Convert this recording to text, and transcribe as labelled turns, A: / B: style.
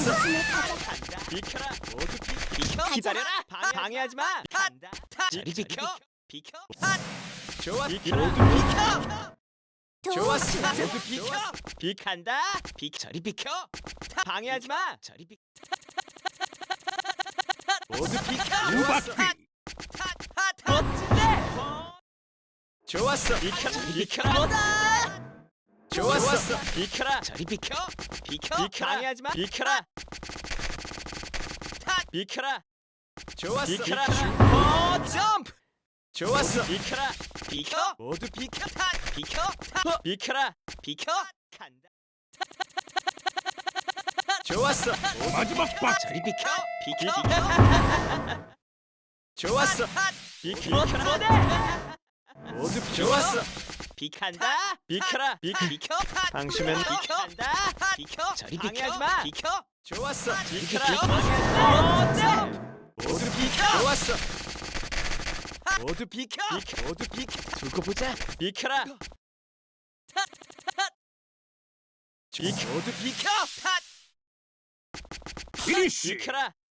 A: 좋았어.
B: 간다. 비켜라. 모두 비켜. 기다려라. 방해하지 마. 간다. 저리 비켜. 비켜. 좋았어. 모두 비켜. 좋았어. 모두 비켜. 비간다. 저리 비켜. 방해하지 마. 저리 비켜. 모두 비켜.
A: 우박귀.
B: 멋진데. 좋았어. 비켜. 비켜라. 좋았어. 비켜라. 저리 비켜. 비켜. 방해하지 마. 비켜라. 비켜라. 좋았어. 비켜라. 점프. 좋았어. 비켜라. 비켜. 모두 비켜. 비켜. 비켜라. 비켜. 간다. 좋았어.
A: 마지막 박.
B: 저리 비켜. 비켜. 좋았어. 비켜라. 모두 좋았어. 비칸다. 비켜라. 비켜. 당신은 비켜한다. 비켜. 저리 방해하지 마. 비켜. 좋았어. 비켜라. 모두 비켜. 좋았어. 모두 비켜. 모두 비켜. 두고 보자. 비켜라. 모두 비켜.
A: 피니쉬.
B: 비켜라.